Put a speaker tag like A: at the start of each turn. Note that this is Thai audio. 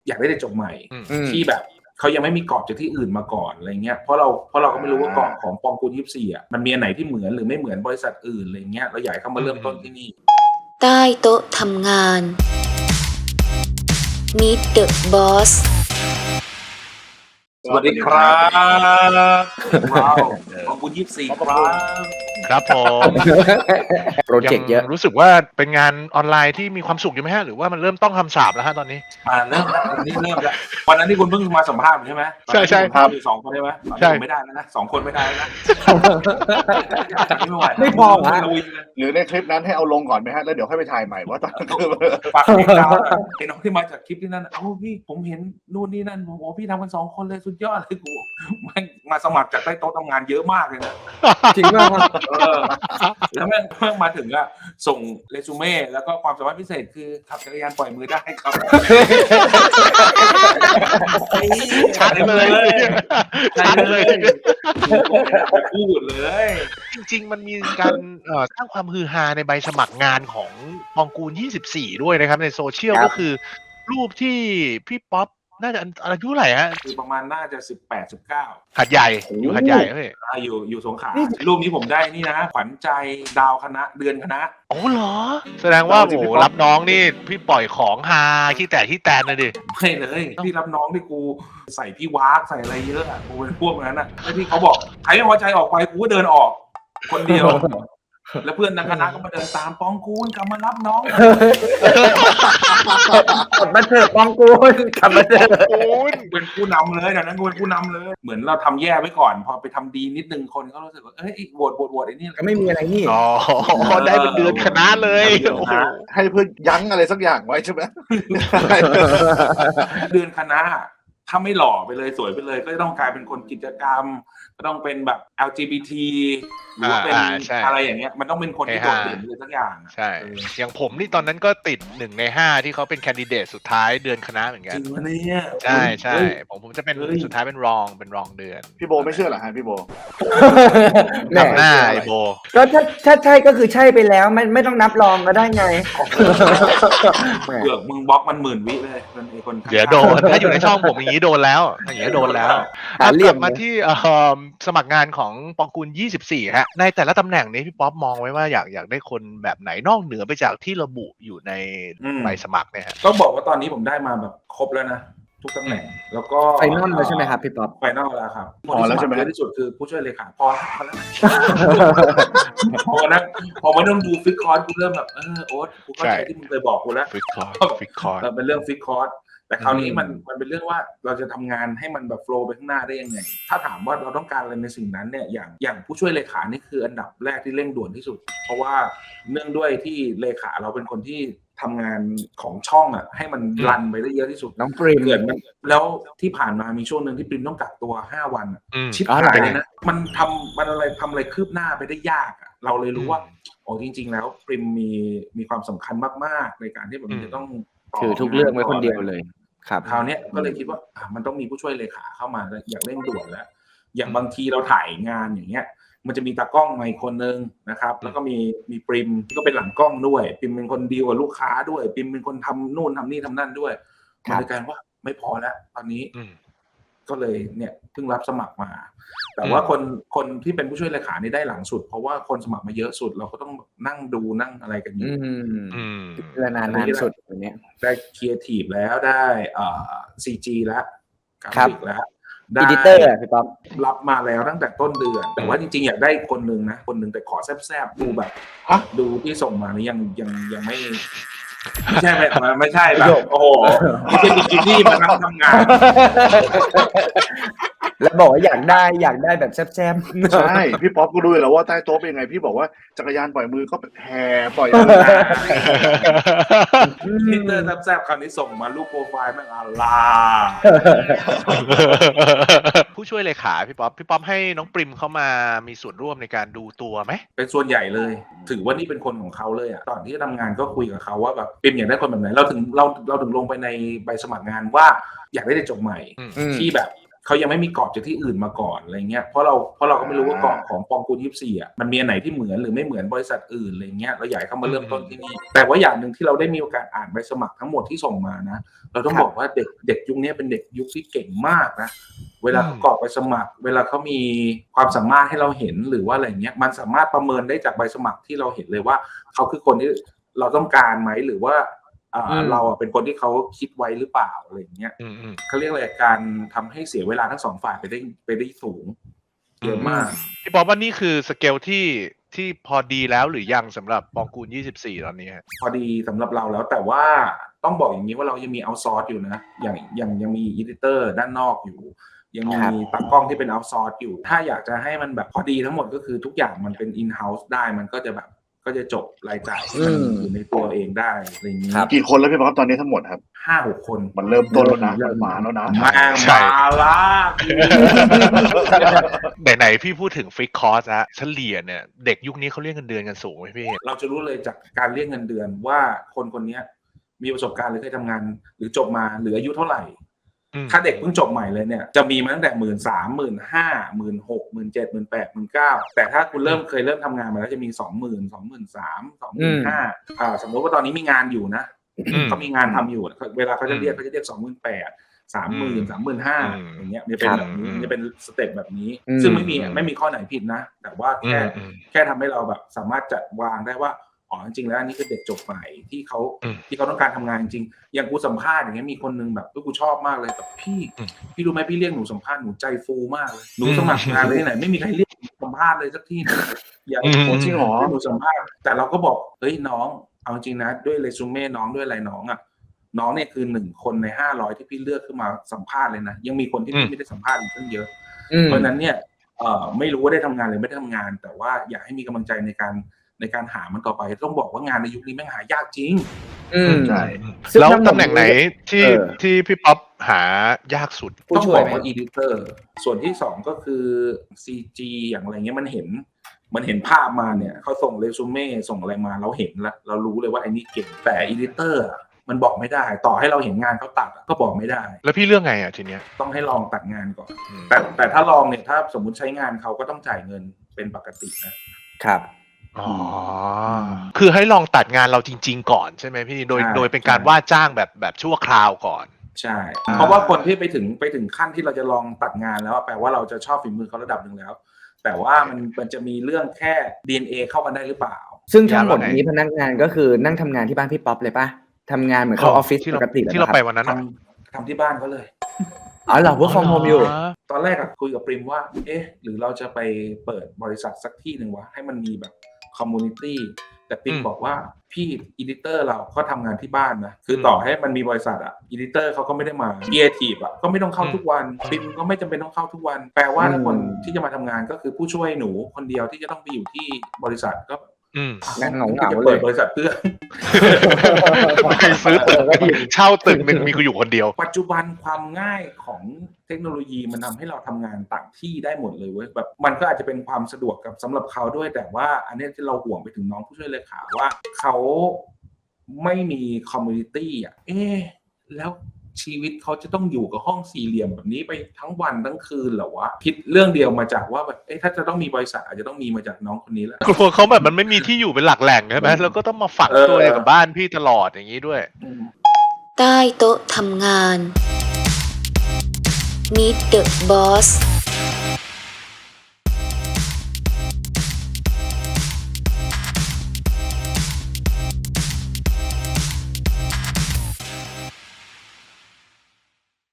A: อยากได้เด็กจบใหม่ที่แบบเขายังไม่มีกรอบจากที่อื่นมาก่อนอะไรเงี้ยเพราะเราก็ไม่รู้ว่ากรอบของปองกูล24อ่ะมันมีอันไหนที่เหมือนหรือไม่เหมือนบริษัทอื่นอะไรเงี้ยเราอยากให้เขามาเริ่มต้นที่นี่
B: ใต้โต๊ะทำงาน Meet the Boss
A: สวัสดีครับว้าวปองกูล24
C: ครับผม
D: โปรเจกต์เยอะ
C: รู้สึกว่าเป็นงานออนไลน์ที่มีความสุขอยู่ไหมฮะหรือว่ามันเริ่มต้องคำสาปแล้วฮะตอนนี้
A: เริ่มแล้ววันนี้เริ่มแล้ววันนั้นที่คุณเพิ่งมาสัมภาษณ์ใช่ไหม
C: ใช่ใช่
A: ครับมี2คนใช่ไหมใช่ไม่ได้แล้วนะ2คนไม่ได้แล้วนะ
D: ไม่พอฮะ
E: หรือในคลิปนั้นให้เอาลงก่อนไหมฮะแล้วเดี๋ยวค่อยไปถ่ายใหม่ว่าตอนคือ
A: ฝากติดตามไอ้น้องที่มาจากคลิปที่นั่นพี่ผมเห็นนู่นนี่นั่นโอ้พี่ทำกัน2คนเลยสุดยอดเลยกูมาสมัครจากใต้โต๊ะทำงานเยอะมากเลยนะ
D: จริงมาก
A: แล้วแม่งมาถึงอะส่งเรซูเม่แล้วก็ความสามารถพิเศษคือขับจักรยานปล่อยมือได้ครับ
C: ชัดเลยชัดเลย
A: พูดเลย
C: จริงๆมันมีการสร้างความฮือฮาในใบสมัครงานของปองกูล24ด้วยนะครับในโซเชียลก็คือรูปที่พี่ป๊อปน่าจะอายุเท่าไหร่ฮะ
A: คือประมาณน่าจะ18-19
C: หัดใหญ่อยู่หัดใหญ่เฮ้ย
A: อยู่สงขลารูปนี้ผมได้นี่นะขวัญใจดาวคณะเดือนคณะ
C: โอ้เหรอแสดงว่าโหรับน้องนี่พี่ปล่อยของฮาขี้แตนเลยดิ
A: ไม่เลยพี่รับน้องที่กูใส่พี่วากใส่อะไรเยอะอ่ะกูเป็นพวกนั้นอ่ะแล้วที่เขาบอกใครไม่พอใจออกไปกูก็เดินออกคนเดียวแล้วเพื่อนในคณะก็มาเดินตามปองกูลกลับมารับน้อง
D: กดมาเถอะปองกูลกลับมาเถอะ
A: เป็นผู้นำเลยนั้นกูเป็นผู้นำเลยเหมือนเราทำแย่ไว้ก่อนพอไปทำดีนิดนึงคนก็รู้สึกว่าเอ้ยโหวตไอ้นี่
D: ก็ไม่มีอะไรนี่
C: อ๋อได้เป็นเดือนคณะเลย
E: ให้เพื่อยั้งอะไรสักอย่างไว้ใช่ไหม
A: เดือนคณะถ้าไม่หล่อไปเลยสวยไปเลยก็จะต้องกลายเป็นคนกิจกรรมก็ต้องเป็นแบบ LGBT หรือว่าเป็นอะไรอย่างเงี้ยมันต้องเป็นคนที่โดดเด่นเลยสักอย่าง
C: ใช่อย่างผมนี่ตอนนั้นก็ติด1 ใน 5ที่เขาเป็นแคนดิเดตสุดท้ายเดือนคณะเหมือนกัน
A: จริงวะเนี่ย
C: ใช่ผมจะเป็นสุดท้ายเป็นรองเดือน
E: พี่โบไม่เชื่อเหรอฮะพี่โบ
C: หน้าไอโบ
D: ก็ถ้าใช่ก็คือใช่ไปแล้วไม่ต้องนับรองก็ได้ไง
A: เกือบมึงบล็อกมัน10,000 วิเลยมันไอคน
C: เดี๋ยวโดนถ้าอยู่ในช่องผมอย่างนี้โดนแล้วอย่างนี้โดนแล้วกลับมาที่สมัครงานของปองกูล24ฮะในแต่ละตำแหน่งนี้พี่ป๊อปมองไว้ว่าอยากได้คนแบบไหนนอกเหนือไปจากที่ระบุอยู่ในใบสมัครเนี่ยฮะ
A: ต้องบอกว่าตอนนี้ผมได้มาแบบครบแล้วนะทุกตำแหน่งแล้วก็
D: ไฟนอลแล้วใช่ไหมครับพี่ป๊อป
A: ไฟนอลแล้วครับพอแล้วใช่ไหมที่สุดคือผู้ช่วยเลขาพอแล้วพอมาต้องดูฟิกคอร์สกูเริ่มแบบโอ๊ตกูเข้าใจที่มึงเคยบอกกูแล้ว
C: ฟิกคอร์ส
A: เป็นเรื่องฟิกคอร์สแต่คราวนี้มันเป็นเรื่องว่าเราจะทำงานให้มันแบบโฟล์ไปข้างหน้าได้ยังไงถ้าถามว่าเราต้องการอะไรในสิ่งนั้นเนี่ยอย่างผู้ช่วยเลขานี่คืออันดับแรกที่เร่งด่วนที่สุดเพราะว่าเนื่องด้วยที่เลขาเราเป็นคนที่ทำงานของช่องอ่ะให้มันรันไปได้เยอะที่สุด
D: น้องปริม
A: เกิดแล้วที่ผ่านมามีช่วงนึงที่ปริมต้องกักตัว5 วันชิบหายเลยนะมันทำอะไรคืบหน้าไปได้ยากเราเลยรู้ว่าโอ้จริงๆแล้วปริมมีความสำคัญมากๆในการที่แบบมันจะต้อง
D: ถือทุกเรื่องไว้คนเดียวเลยครับ
A: คราวนี้ก็เลยคิดว่ามันต้องมีผู้ช่วยเลขาเข้ามาอย่างเร่งด่วนแล้วอย่างบางทีเราถ่ายงานอย่างเงี้ยมันจะมีตากล้องมาอีกคนนึงนะครับแล้วก็มีปริมที่ก็เป็นหลังกล้องด้วยปริมเป็นคนดีลกับลูกค้าด้วยปริมเป็นคนทำนู่นทำนี่ทำนั่นด้วยมันเลยกลายว่าไม่พอแล้วตอนนี้ก็เลยเนี่ยเพิ่งรับสมัครมาแต่ว่าคนที่เป็นผู้ช่วยเลขานี่ได้หลังสุดเพราะว่าคนสมัครมาเยอะสุดเราก็ต้องนั่งดูนั่งอะไรกันอยู่
D: นานสุดอย่างเนี้ย
A: ได้ครีเอทีฟแล้วได้CG แล้วกราฟิกแล้ว
D: อีดิเตอร์พี่ป๊อป
A: รับมาแล้วตั้งแต่ต้นเดือนแต่ว่าจริงๆอยากได้คนนึงนะคนนึงแต่ขอแซ่บๆดูแบบดูที่ส่งมานี่ยังไม่ใช่ไม่ใช่แบบโอ้โหไม่ใช่บิกินี่มานั่งทำงาน
D: แล้วบอกว่าอยากได้แบบแซ่บ
E: ๆใช่พี่ป๊อปก็รู้แล้วว่าใต้โต๊ะเป็นยังไงพี่บอกว่าจักรยานปล่อยมือก็แห่ปล่อย
A: มิเตอร์แซ่บๆคราวนี้ส่งมารูปโปรไฟล์แม่งอะไร
C: ผู้ช่วยเลขาพี่ป๊อปให้น้องปริมเข้ามามีส่วนร่วมในการดูตัวไหม
A: เป็นส่วนใหญ่เลยถือว่านี่เป็นคนของเขาเลยตอนที่ทำงานก็คุยกับเขาว่าแบบปริมอยากได้คนแบบไหนเราถึงลงไปในใบสมัครงานว่าอยากได้เด็กจบใหม่ที่แบบเขายังไม่มีกรอบจากที่อื่นมาก่อนอะไรเงี้ยเพราะเราก็ไม่รู้ว่ากรอบของปองกูล24อ่ะมันมีอันไหนที่เหมือนหรือไม่เหมือนบริษัทอื่นอะไรเงี้ยเราอยากให้เขามาเริ่มต้นที่นี่แต่ว่าอย่างหนึ่งที่เราได้มีโอกาสอ่านใบสมัครทั้งหมดที่ส่งมานะเราต้องบอกว่าเด็กยุคนี้เป็นเด็กยุคที่เก่งมากนะเวลาเขากรอกใบสมัครเวลาเขามีความสามารถให้เราเห็นหรือว่าอะไรเงี้ยมันสามารถประเมินได้จากใบสมัครที่เราเห็นเลยว่าเขาคือคนที่เราต้องการไหมหรือว่าเราเป็นคนที่เขาคิดไว้หรือเปล่าอะไรอย่างเงี้ยเขาเรียกอะไรการทำให้เสียเวลาทั้งสองฝ่ายไปได้สูงเยอะมาก
C: พี่บอกว่านี่คือสเกลที่พอดีแล้วหรือยังสำหรับปองกูล24ตอนนี้
A: พอดีสำหรับเราแล้วแต่ว่าต้องบอกอย่างนี้ว่าเรายังมีเอาท์ซอร์สอยู่นะอย่างยังมีอีดิเตอร์ด้านนอกอยู่ยังมีตากล้องที่เป็นเอาท์ซอร์สอยู่ถ้าอยากจะให้มันแบบพอดีทั้งหมดก็คือทุกอย่างมันเป็นอินเฮ้าส์ได้มันก็จะจบรายจ่ายที่มันอยู่ในตัวเองได้อะไรอย่างนี้
E: กี่คนแล้วพี่ป๊อปตอนนี้ทั้งหมดครับ
A: 5-6 คน
E: มันเริ่มต้นแล้วนะมันมาแล้วนะ
A: มาละ
C: ไหนพี่พูดถึงฟิกคอสนะเฉลี่ยเนี่ยเด็กยุคนี้เขาเรียกเงินเดือนกันสูงไหมพี่
A: เราจะรู้เลยจากการเรียกเงินเดือนว่าคนนี้มีประสบการณ์หรือเคยทำงานหรือจบมาหรืออายุเท่าไหร่ถ้าเด็กเพิ่งจบใหม่เลยเนี่ยจะมีมาตั้งแต่13,000 15,000 16,000 17,000 18,000 19,000แต่ถ้าคุณเคยเริ่มทำงานมาแล้วจะมี 20,000 23,000 25,000สมมติว่าตอนนี้มีงานอยู่นะเขามีงานทำอยู่เวลาเขาจะเรียก28,000 30,000 35,000อย่างเงี้ยมันเป็นแบบนี้มันจะเป็นสเต็ปแบบนี้ซึ่งไม่มีข้อไหนผิดนะแต่ว่าแค่ทำให้เราแบบสามารถจัดวางได้ว่าอ๋อจริงๆแล้วอันนี้คือเด็กจบใหม่ที่เขาต้องการทำงานจริงอย่างกูสัมภาษณ์อย่างเงี้ยมีคนนึงแบบกูชอบมากเลยแบบพี่รู้ไหมพี่เรียกหนูสัมภาษณ์หนูใจฟูมากเลยหนูสมัครงานเลยที่ไหนไม่มีใครเรียกสัมภาษณ์เลยสักที่อย่างจริงหรอหนูสัมภาษณ์แต่เราก็บอกเฮ้ยน้องเอาจริงนะด้วยเรซูเม่น้องด้วยอะไรน้องเนี่ยคือ1 คนใน500ที่พี่เลือกขึ้นมาสัมภาษณ์เลยนะยังมีคนที่พี่ไม่ได้สัมภาษณ์อีกตั้งเยอะเพราะนั้นเนี่ยไม่รู้ว่าได้ทำงานหรือไม่ได้ทำงานแต่ว่าอยากให้มีกำลังใจในการหามันต่อไปต้องบอกว่างานในยุคนี้แม่งหายากจริง
E: ใช่
C: แล้วตำแหน่งไหนที่พี่ป๊อปหายากสุด
A: ต้องบอกว่าอีดิเตอร์ส่วนที่2ก็คือ CG อย่างไรเงี้ยมันเห็นภาพมาเนี่ยเขาส่งเรซูเม่ส่งอะไรมาเราเห็นแล้วเรารู้เลยว่าไอ้นี่เก่งแต่อีดิเตอร์มันบอกไม่ได้ต่อให้เราเห็นงานเขาตัดก็บอกไม่ได้
C: แล้วพี่เลือกไงทีเนี้ย
A: ต้องให้ลองตัดงานก่อนแต่ถ้าลองเนี่ยถ้าสมมุติใช้งานเขาก็ต้องจ่ายเงินเป็นปกตินะครับ
C: อ๋อคือให้ลองตัดงานเราจริงๆก่อนใช่ไหมพี่โดยเป็นการว่าจ้างแบบชั่วคราวก่อน
A: ใช่เพราะว่าคนที่ไปถึงขั้นที่เราจะลองตัดงานแล้วแปลว่าเราจะชอบฝีมือเขาระดับหนึ่งแล้วแต่ว่ามันจะมีเรื่องแค่ DNA เข้ากันได้หรือเปล่า
D: ซึ่งทั้งหมดนี้พนักงานก็คือนั่งทำงานที่บ้านพี่ป๊อปเลยป่ะทำงานเหมือนเข้าออฟฟิศปกติ
C: ที่เราไปวันนั้น
A: ทำที่บ้านเขาเลย
D: อ๋อเหรอwork from homeอยู่
A: ตอนแรกคุยกับปริมว่าหรือเราจะไปเปิดบริษัทสักที่หนึ่งวะให้มันมีแบบคอมมูนิตี้แต่ปริมบอกว่าพี่อีดิเตอร์เราก็ทำงานที่บ้านนะคือต่อให้มันมีบริษัทอีดิเตอร์เขาก็ไม่ได้มาครีเอทีฟก็ไม่ต้องเข้าทุกวันปริมก็ไม่จำเป็นต้องเข้าทุกวันแปลว่าคนที่จะมาทำงานก็คือผู้ช่วยหนูคนเดียวที่จะต้องไปอยู่ที่บริษัทก็
D: นั่งเหงา
A: ๆเลยบริษัทเพื่อ
C: ซื้อตึกเช่าตึกนึงมีกูอยู่คนเดียว
A: ปัจจุบันความง่ายของเทคโนโลยีมันทำให้เราทำงานต่างที่ได้หมดเลยเว้ยแบบมันก็อาจจะเป็นความสะดวกกับสำหรับเขาด้วยแต่ว่าอันนี้ที่เราห่วงไปถึงน้องผู้ช่วยเลขาว่าเขาไม่มีคอมมูนิตี้แล้วชีวิตเขาจะต้องอยู่กับห้องสี่เหลี่ยมแบบนี้ไปทั้งวันทั้งคืนเหรอวะคิดเรื่องเดียวมาจากว่าแบบถ้าจะต้องมีบริษัทอาจจะต้องมีมาจากน้องคนนี้แหละ
C: กลัวเขาแบบมันไม่มีที่อยู่เป็นหลักแหล่งใช่ไหมแล้วก็ต้องมาฝังตัวอยู่กับบ้านพี่ตลอดอย่างนี้ด้วย
B: ใต้โต๊ะทำงาน Meet the Boss